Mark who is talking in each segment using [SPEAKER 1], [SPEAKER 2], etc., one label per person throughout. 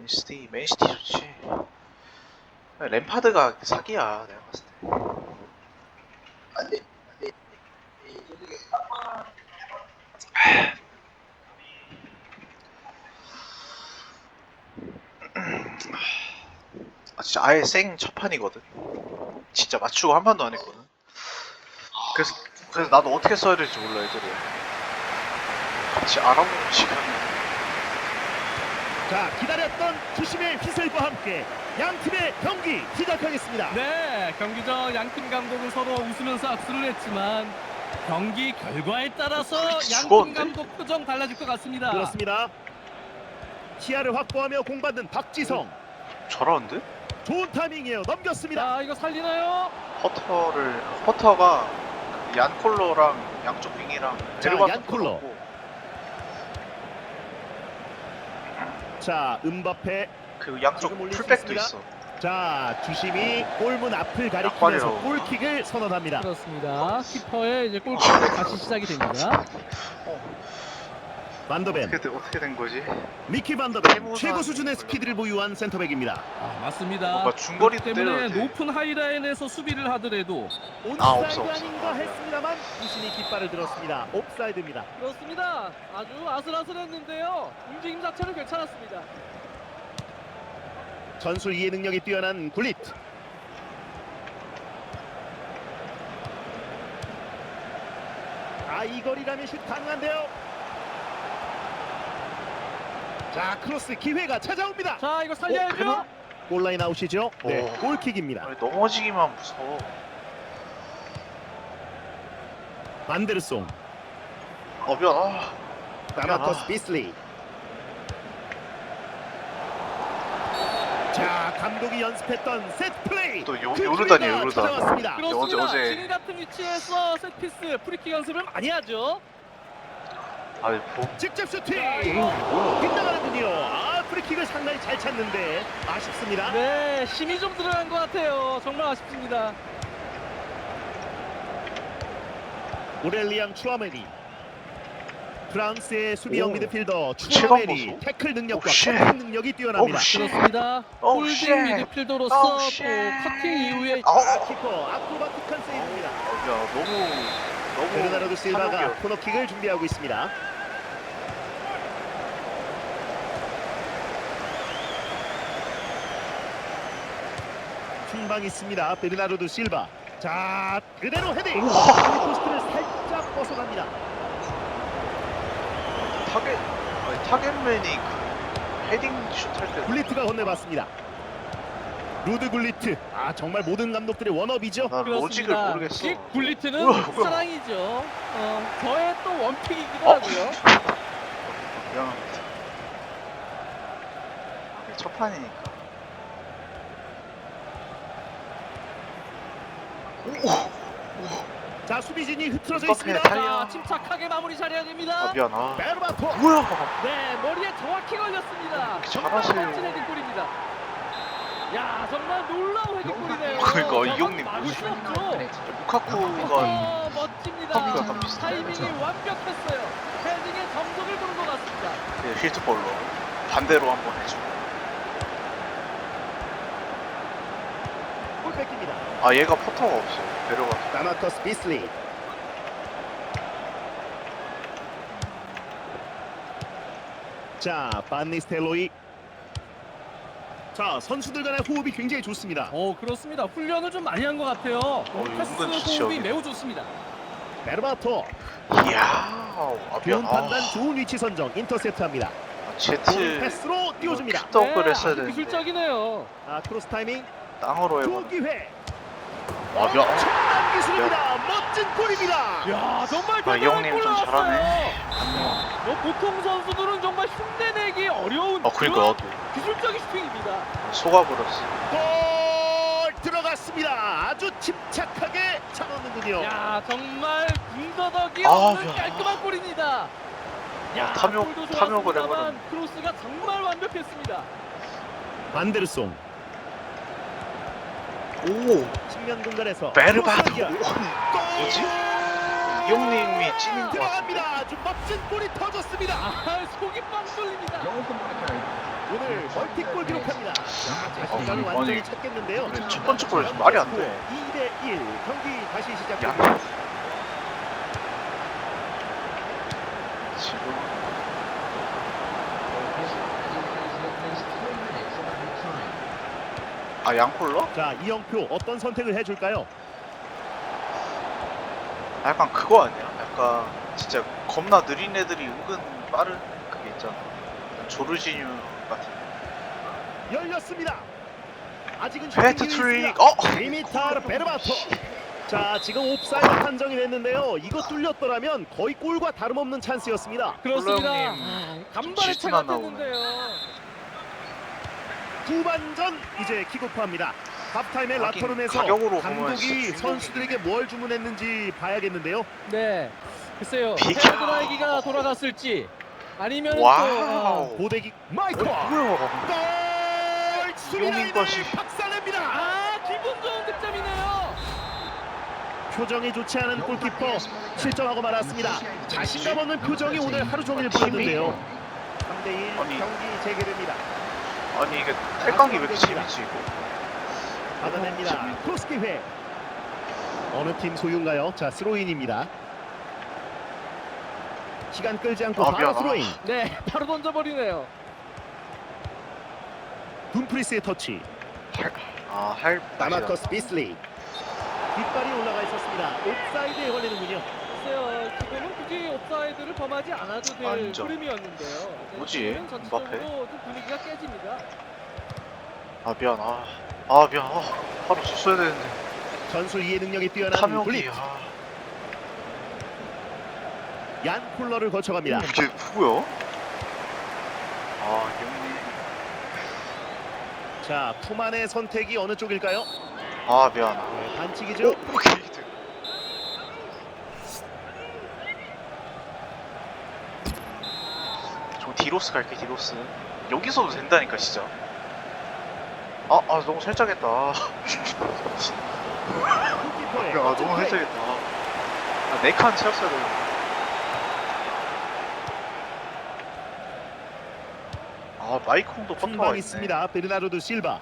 [SPEAKER 1] 맨시티 좋지. 램파드가 사기야 내가 봤을 때. 진짜 아예 생 첫판이거든. 진짜 맞추고 한 판도 안 했거든. 그래서 나도 어떻게 써야 될지 몰라 애들이. 같이 알아보는 시간이.
[SPEAKER 2] 자, 기다렸던 주심의 휘슬과 함께 양 팀의 경기 시작하겠습니다.
[SPEAKER 3] 네, 경기 전 양팀 감독은 서로 웃으면서 악수를 했지만 경기 결과에 따라서 양팀
[SPEAKER 1] 죽었는데?
[SPEAKER 3] 감독 표정 달라질 것 같습니다.
[SPEAKER 2] 그렇습니다. 시야를 확보하며 공받는 박지성.
[SPEAKER 1] 저러는데?
[SPEAKER 2] 좋은 타이밍이에요. 넘겼습니다.
[SPEAKER 3] 자, 이거 살리나요?
[SPEAKER 1] 퍼터가 얀콜로랑 양쪽 윙이랑
[SPEAKER 2] 자,
[SPEAKER 1] 베르바토
[SPEAKER 2] 얀콜로.
[SPEAKER 1] 들어갔고,
[SPEAKER 2] 자, 음바페.
[SPEAKER 1] 그 양쪽
[SPEAKER 2] 지금 올릴 수
[SPEAKER 1] 풀백도
[SPEAKER 2] 있습니다.
[SPEAKER 1] 있어.
[SPEAKER 2] 자, 주심이 골문 앞을 가리키면서
[SPEAKER 1] 약발이라고.
[SPEAKER 2] 골킥을 선언합니다.
[SPEAKER 3] 그렇습니다. 키퍼의 이제 골킥으로 다시 시작이 됩니다.
[SPEAKER 2] 반더벤,
[SPEAKER 1] 어떻게 된 거지?
[SPEAKER 2] 미키 반더벤
[SPEAKER 1] 해보자.
[SPEAKER 2] 최고 수준의 스피드를 보유한 센터백입니다.
[SPEAKER 3] 아, 맞습니다.
[SPEAKER 1] 뭔가 중거리도
[SPEAKER 3] 그렇기 때문에
[SPEAKER 1] 때려도 돼.
[SPEAKER 3] 높은 하이라인에서 수비를 하더라도
[SPEAKER 2] 온사이드
[SPEAKER 1] 없어.
[SPEAKER 2] 아닌가 했습니다만 주심이 깃발을 들었습니다. 옵사이드입니다.
[SPEAKER 3] 그렇습니다. 아주 아슬아슬했는데요. 움직임 자체는 괜찮았습니다.
[SPEAKER 2] 전술 이해 능력이 뛰어난 굴릿. 이 거리라면 슛 가능한데요. 자, 크로스 기회가 찾아옵니다.
[SPEAKER 3] 자, 이거 살려야죠.
[SPEAKER 2] 골라인 아웃이죠. 네,
[SPEAKER 1] 오.
[SPEAKER 2] 골킥입니다.
[SPEAKER 1] 아니, 넘어지기만 무서워.
[SPEAKER 2] 반데르송,
[SPEAKER 1] 미안.
[SPEAKER 2] 라마코스 비슬리. 자, 감독이 연습했던 세트 플레이.
[SPEAKER 1] 또
[SPEAKER 2] 그
[SPEAKER 1] 요르단이에요,
[SPEAKER 2] 기회가
[SPEAKER 1] 요르단.
[SPEAKER 2] 찾아왔습니다.
[SPEAKER 3] 그렇습니다.
[SPEAKER 1] 어제-
[SPEAKER 3] 지금 같은 위치에서 세트피스 프리킥 연습을 많이 하죠.
[SPEAKER 1] 아니
[SPEAKER 2] 직접 슈팅.
[SPEAKER 1] 뭐야?
[SPEAKER 2] 빗나가는군요. 프리킥을 상당히 잘 찾는데 아쉽습니다.
[SPEAKER 3] 네, 힘이 좀 들어간 것 같아요. 정말 아쉽습니다.
[SPEAKER 2] 오렐리앙 추아메니. 프랑스의 수비형
[SPEAKER 1] 오.
[SPEAKER 2] 미드필더
[SPEAKER 1] 체감
[SPEAKER 2] 추아메니.
[SPEAKER 1] 보소.
[SPEAKER 2] 태클 능력과
[SPEAKER 1] 오, 쉣.
[SPEAKER 2] 커팅 능력이 뛰어납니다.
[SPEAKER 1] 오, 쉣.
[SPEAKER 3] 그렇습니다.
[SPEAKER 1] 오,
[SPEAKER 3] 홀딩
[SPEAKER 1] 쉣.
[SPEAKER 3] 미드필더로서
[SPEAKER 1] 오,
[SPEAKER 3] 또
[SPEAKER 1] 쉣.
[SPEAKER 3] 커팅 이후에
[SPEAKER 2] 키퍼 아크로바틱한 세이브입니다.
[SPEAKER 1] 야 너무
[SPEAKER 2] 베르나르도 실바가
[SPEAKER 1] 탐욕이야.
[SPEAKER 2] 코너킥을 준비하고 있습니다. 흰방 있습니다. 베르나르도 실바. 자, 그대로 헤딩. 포스트를 살짝 벗어납니다.
[SPEAKER 1] 타겟맨이 그 헤딩 슛할 때
[SPEAKER 2] 굴리트가 건네봤습니다. 루드 굴리트. 정말 모든 감독들의 원업이죠.
[SPEAKER 1] 난 로직을
[SPEAKER 3] 그렇습니다.
[SPEAKER 1] 모르겠어.
[SPEAKER 3] 킥 굴리트는
[SPEAKER 1] 뭐야.
[SPEAKER 3] 사랑이죠. 저의 또 원픽이기도 하고요.
[SPEAKER 1] 미안합니다. 첫 판이니까.
[SPEAKER 2] 자, 수비진이 흐트러져
[SPEAKER 1] 음바페
[SPEAKER 2] 있습니다.
[SPEAKER 1] 탈-
[SPEAKER 3] 자, 침착하게 마무리 잘해야 됩니다.
[SPEAKER 1] 미안.
[SPEAKER 2] 베르바토.
[SPEAKER 1] 뭐야?
[SPEAKER 3] 네, 머리에 정확히 걸렸습니다. 정말
[SPEAKER 1] 잘하세요.
[SPEAKER 3] 멋진 헤딩골입니다. 야, 정말 놀라운 헤딩골이네요.
[SPEAKER 1] 그러니까 이 형님
[SPEAKER 3] 막을 수 없죠.
[SPEAKER 1] 루카쿠가
[SPEAKER 3] 멋집니다.
[SPEAKER 1] 커피가 약간 비슷해.
[SPEAKER 3] 타이밍이 완벽했어요. 헤딩의 정석을 보는 것 같습니다.
[SPEAKER 1] 힐트볼로 반대로 한번 해줘.
[SPEAKER 2] 골 뺏깁니다.
[SPEAKER 1] 얘가 포터가 없어. 내려가.
[SPEAKER 2] 라마코스 비슬리. 자, 반니스텔로이. 자, 선수들 간의 호흡이 굉장히 좋습니다.
[SPEAKER 3] 그렇습니다. 훈련을 좀 많이 한 것 같아요. 패스
[SPEAKER 1] 은근 좋죠,
[SPEAKER 3] 호흡이
[SPEAKER 1] 여기.
[SPEAKER 3] 매우 좋습니다.
[SPEAKER 2] 베르바토.
[SPEAKER 1] 이야.
[SPEAKER 2] 좋은
[SPEAKER 1] 미안.
[SPEAKER 2] 판단, 좋은 위치 선정. 인터셉트합니다. 볼
[SPEAKER 1] 제트
[SPEAKER 2] 패스로 띄워줍니다.
[SPEAKER 1] 떡을 했어야
[SPEAKER 3] 아주
[SPEAKER 1] 되는데
[SPEAKER 3] 기술적이네요.
[SPEAKER 2] 크로스 타이밍.
[SPEAKER 1] 땅으로
[SPEAKER 2] 두
[SPEAKER 1] 해버려.
[SPEAKER 2] 기회.
[SPEAKER 1] 미안.
[SPEAKER 2] 엄청난 기술입니다. 멋진 골입니다.
[SPEAKER 3] 야, 정말
[SPEAKER 1] 이
[SPEAKER 3] 대단한
[SPEAKER 1] 형님
[SPEAKER 3] 골
[SPEAKER 1] 좀
[SPEAKER 3] 나왔어요.
[SPEAKER 1] 잘하네.
[SPEAKER 3] 보통 선수들은 정말 흉내내기 어려운
[SPEAKER 1] 그러니까
[SPEAKER 3] 그런
[SPEAKER 1] 나도
[SPEAKER 3] 기술적인 슈팅입니다.
[SPEAKER 1] 속아버렸어.
[SPEAKER 2] 골 들어갔습니다. 아주 침착하게 잡았는군요.
[SPEAKER 3] 야, 정말 군더더기
[SPEAKER 1] 아,
[SPEAKER 3] 없는
[SPEAKER 1] 야.
[SPEAKER 3] 깔끔한 골입니다. 야,
[SPEAKER 1] 탐욕-
[SPEAKER 3] 골도
[SPEAKER 1] 탐욕을
[SPEAKER 3] 좋았습니다만
[SPEAKER 1] 해버렸네.
[SPEAKER 3] 크로스가 정말 완벽했습니다.
[SPEAKER 2] 반데르송.
[SPEAKER 1] 오
[SPEAKER 2] 측면 공간에서
[SPEAKER 1] 베르바토.
[SPEAKER 2] 크로스 연결. 골!
[SPEAKER 1] 뭐지? 이 형님이 찐인 것 같은데.
[SPEAKER 2] 들어갑니다. 아주 멋진 골이 터졌습니다.
[SPEAKER 3] 속이 빵 뚫립니다.
[SPEAKER 2] 오늘 멀티골 순간을
[SPEAKER 1] 아니,
[SPEAKER 2] 완전히 찾겠는데요.
[SPEAKER 1] 그래, 첫 번째 골이 좀 말이 안 돼.
[SPEAKER 2] 2대1 경기 다시
[SPEAKER 1] 야,
[SPEAKER 2] 시작됩니다.
[SPEAKER 1] 지금 양콜러?
[SPEAKER 2] 자, 이영표 어떤 선택을 해줄까요?
[SPEAKER 1] 약간 그거 아니야? 약간 진짜 겁나 느린 애들이 은근 빠른 그게 있잖아. 조르지뉴 같은.
[SPEAKER 2] 열렸습니다. 아직은
[SPEAKER 1] 헤트트릭.
[SPEAKER 2] 디미타르 베르바토. 자, 지금 옵사이드 판정이 됐는데요. 이거 뚫렸더라면 거의 골과 다름없는 찬스였습니다.
[SPEAKER 3] 그렇습니다.
[SPEAKER 1] 콜라형님
[SPEAKER 3] 간발의
[SPEAKER 1] 좀
[SPEAKER 3] 차가
[SPEAKER 1] 질투나 나오네.
[SPEAKER 3] 됐는데요.
[SPEAKER 2] 후반전 이제 킥오프합니다. 하프타임에
[SPEAKER 1] 하긴
[SPEAKER 2] 라커룸에서
[SPEAKER 1] 가격으로 보면
[SPEAKER 2] 감독이
[SPEAKER 1] 진짜
[SPEAKER 2] 선수들에게 뭘 주문했는지 봐야겠는데요.
[SPEAKER 3] 네, 글쎄요.
[SPEAKER 1] 비켜.
[SPEAKER 3] 헤드라이기가 돌아갔을지 아니면
[SPEAKER 1] 와우.
[SPEAKER 2] 고데기 마이커
[SPEAKER 1] 뭐야?
[SPEAKER 2] 골! 수비라인을
[SPEAKER 1] 것이.
[SPEAKER 2] 박살냅니다.
[SPEAKER 3] 기분 좋은 득점이네요.
[SPEAKER 2] 표정이 좋지 않은 골키퍼 실점하고 말았습니다. 자신감 없는 표정이 오늘 하루 종일 보였는데요. 3대1
[SPEAKER 1] 아니.
[SPEAKER 2] 경기 재개됩니다.
[SPEAKER 1] 아니 이게 탈각이 왜 이렇게 재밌지 이거?
[SPEAKER 2] 받아냅니다. 크로스 기회. 어느 팀 소유인가요? 자, 스로인입니다. 시간 끌지 않고 바로
[SPEAKER 1] 미안.
[SPEAKER 2] 스로인.
[SPEAKER 3] 네, 바로 던져버리네요.
[SPEAKER 2] 둠프리스의 터치.
[SPEAKER 1] 할
[SPEAKER 2] 다마커스 비슬리. 뒷발이 올라가 있었습니다. 옵사이드에 걸리는군요.
[SPEAKER 3] 글쎄요, 지금은 굳이 옵사이드를 범하지 않아도 될
[SPEAKER 1] 완전.
[SPEAKER 3] 흐름이었는데요. 네,
[SPEAKER 1] 뭐지?
[SPEAKER 3] 지금은 전체적으로
[SPEAKER 1] 음바페?
[SPEAKER 3] 좀 분위기가 깨집니다.
[SPEAKER 1] 미안. 미안. 바로 줬어야 되는데.
[SPEAKER 2] 전술 이해 능력이 뛰어난
[SPEAKER 1] 탐욕이.
[SPEAKER 2] 블릿. 얀 콜러를 거쳐갑니다.
[SPEAKER 1] 이게 누구야? 영리.
[SPEAKER 2] 자, 푸만의 선택이 어느 쪽일까요?
[SPEAKER 1] 미안.
[SPEAKER 2] 네, 반칙이죠.
[SPEAKER 1] 게이드. 저 디로스 갈게 디로스. 여기서도 된다니까 진짜. 너무 살짝했다.
[SPEAKER 2] 골키퍼의
[SPEAKER 1] 너무
[SPEAKER 2] 멋진 플레이.
[SPEAKER 1] 살짝했다. 4칸 채웠어야 돼. 마이콩도 퍼터가
[SPEAKER 2] 중방
[SPEAKER 1] 있네.
[SPEAKER 2] 있습니다. 베르나르도 실바.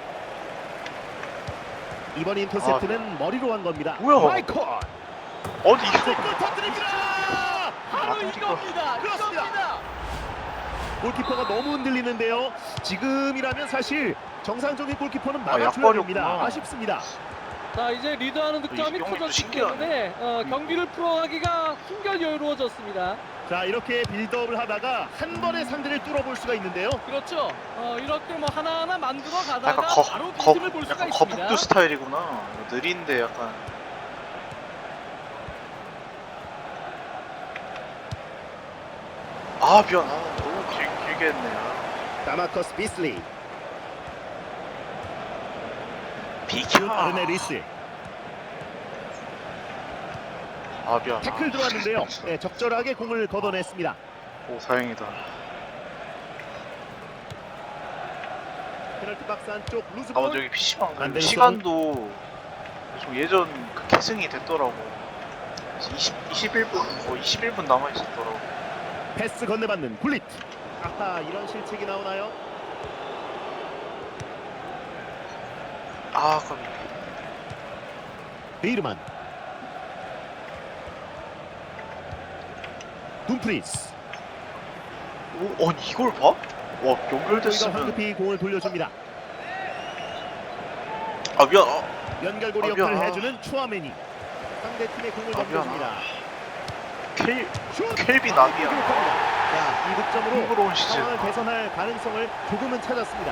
[SPEAKER 2] 이번 인터셉트는 머리로 한 겁니다.
[SPEAKER 1] 뭐야?
[SPEAKER 2] 마이콜.
[SPEAKER 1] 어디 이거?
[SPEAKER 2] 골 터뜨립니다.
[SPEAKER 3] 바로
[SPEAKER 1] 깜짝이야.
[SPEAKER 3] 이겁니다.
[SPEAKER 2] 그렇습니다.
[SPEAKER 3] 이겁니다.
[SPEAKER 2] 골키퍼가 너무 흔들리는데요. 지금이라면 사실 정상적인 골키퍼는 막아줘야
[SPEAKER 1] 약발이었구나.
[SPEAKER 2] 됩니다. 아쉽습니다.
[SPEAKER 3] 자, 이제 리드하는 득점이
[SPEAKER 1] 형님도
[SPEAKER 3] 터졌기
[SPEAKER 1] 신기하네.
[SPEAKER 3] 때문에 경기를 풀어가기가 한결 여유로워졌습니다.
[SPEAKER 2] 자, 이렇게 빌드업을 하다가 한 번에 상대를 뚫어볼 수가 있는데요.
[SPEAKER 3] 그렇죠. 이렇게 뭐 하나하나 만들어 가다가
[SPEAKER 1] 약간
[SPEAKER 3] 바로 빈틈을 볼 수가
[SPEAKER 1] 약간
[SPEAKER 3] 있습니다.
[SPEAKER 1] 거북두 스타일이구나. 느린데 약간. 미안. 너무 길게 했네.
[SPEAKER 2] 다마커스 비슬리.
[SPEAKER 1] 비켜.
[SPEAKER 2] 아르네리스.
[SPEAKER 1] 미안.
[SPEAKER 2] 태클 들어왔는데요. 네, 적절하게 공을 걷어냈습니다.
[SPEAKER 1] 오, 다행이다.
[SPEAKER 2] 페널티 박스 안쪽 루즈볼.
[SPEAKER 1] 저기 PC방
[SPEAKER 2] 안델сон.
[SPEAKER 1] 시간도 좀 예전 그 계승이 됐더라고. 21분, 21분 남아있었더라고.
[SPEAKER 2] 패스 건네받는 굴릿. 아하, 이런 실책이 나오나요?
[SPEAKER 1] 그럼.
[SPEAKER 2] 베이르만. 둠프리스.
[SPEAKER 1] 아니, 이걸 봐? 와,
[SPEAKER 2] 저희가
[SPEAKER 1] 연결됐으면.
[SPEAKER 2] 황급히 공을 돌려줍니다.
[SPEAKER 1] 미안.
[SPEAKER 2] 연결고리
[SPEAKER 1] 미안.
[SPEAKER 2] 역할을 해주는 추아메니. 상대팀의 공을
[SPEAKER 1] 미안.
[SPEAKER 2] 넘겨줍니다.
[SPEAKER 1] 켈빈
[SPEAKER 2] 기록합니다.
[SPEAKER 1] 아비야.
[SPEAKER 2] 자, 이 득점으로
[SPEAKER 1] 흥그러운 시즌.
[SPEAKER 2] 상황을 개선할 가능성을 조금은 찾았습니다.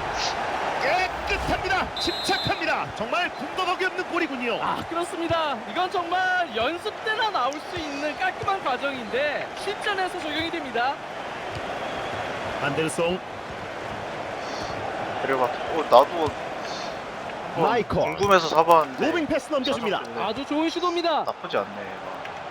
[SPEAKER 2] 깨끗합니다. 침착합니다. 정말 군더더기 없는 골이군요.
[SPEAKER 3] 그렇습니다. 이건 정말 연습 때나 나올 수 있는 깔끔한 과정인데 실전에서 적용이 됩니다.
[SPEAKER 2] 안델송.
[SPEAKER 1] 그래봐. 나도
[SPEAKER 2] 마이콜.
[SPEAKER 1] 궁금해서 사봤는데.
[SPEAKER 2] 로빙 패스 넘겨줍니다.
[SPEAKER 1] 찾아보는데
[SPEAKER 3] 아주 좋은 시도입니다.
[SPEAKER 1] 나쁘지 않네. 얘가.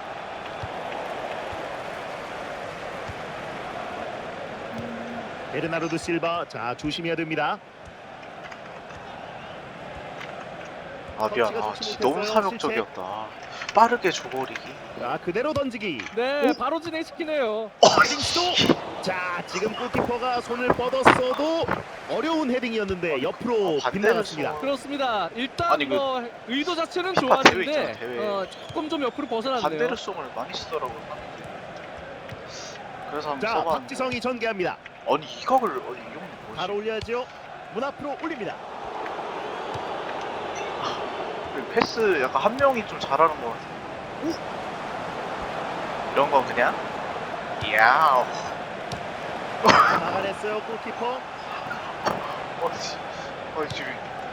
[SPEAKER 2] 베르나르도 실바. 자, 조심해야 됩니다.
[SPEAKER 1] 미안.
[SPEAKER 2] 터치가 좋지
[SPEAKER 1] 진짜 너무
[SPEAKER 2] 못했어요.
[SPEAKER 1] 사명적이었다. 빠르게 줘버리기.
[SPEAKER 2] 자, 그대로 던지기.
[SPEAKER 3] 네, 바로 진행시키네요.
[SPEAKER 2] 헤딩 시도. 자, 지금 골키퍼가 손을 뻗었어도 어려운 헤딩이었는데 옆으로
[SPEAKER 1] 반대로
[SPEAKER 2] 빗나갔습니다.
[SPEAKER 1] 쏘아.
[SPEAKER 3] 그렇습니다. 일단
[SPEAKER 1] 아니, 그
[SPEAKER 3] 뭐 의도 자체는
[SPEAKER 1] 피파 대회
[SPEAKER 3] 좋았는데
[SPEAKER 1] 있잖아, 대회.
[SPEAKER 3] 조금 좀 옆으로 벗어났네요.
[SPEAKER 1] 반대로송을 많이 쓰더라고요. 그래서 한번
[SPEAKER 2] 자,
[SPEAKER 1] 써봤는데.
[SPEAKER 2] 박지성이 전개합니다.
[SPEAKER 1] 아니 이 각을 이건 뭐지?
[SPEAKER 2] 바로 올려야죠. 문 앞으로 올립니다.
[SPEAKER 1] 패스 약간 한 명이 좀 잘하는 것 같아. 이런 건 그냥 야우.
[SPEAKER 2] 막아냈어요 골키퍼.
[SPEAKER 1] 지금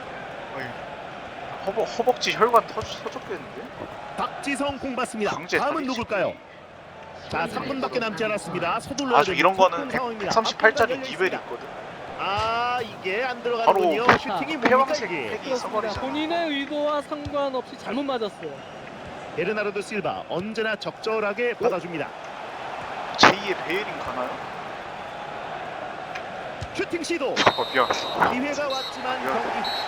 [SPEAKER 1] 허벅지 혈관 터졌겠는데?
[SPEAKER 2] 박지성 공 받습니다.
[SPEAKER 1] 강제
[SPEAKER 2] 다음은
[SPEAKER 1] 탈이
[SPEAKER 2] 누굴까요? 자, 3분밖에 남지 않았습니다. 서둘러야
[SPEAKER 1] 아주 이런 거는
[SPEAKER 2] 상황입니다.
[SPEAKER 1] 138짜리
[SPEAKER 2] 앞뒤가
[SPEAKER 1] 디벨이
[SPEAKER 2] 열려
[SPEAKER 1] 있거든.
[SPEAKER 2] 아, 이게 안 들어가는군요.
[SPEAKER 1] 바로
[SPEAKER 2] 슈팅이 뭡니까
[SPEAKER 1] 패왕색
[SPEAKER 2] 이게?
[SPEAKER 1] 팩이
[SPEAKER 3] 그렇습니다.
[SPEAKER 1] 써버리잖아.
[SPEAKER 3] 본인의 의도와 상관없이 잘못 맞았어요.
[SPEAKER 2] 베르나르도 실바 언제나 적절하게 받아줍니다.
[SPEAKER 1] 제2의 베이링 가나요?
[SPEAKER 2] 슈팅 시도.
[SPEAKER 1] 미안.
[SPEAKER 2] 기회가 왔지만 경기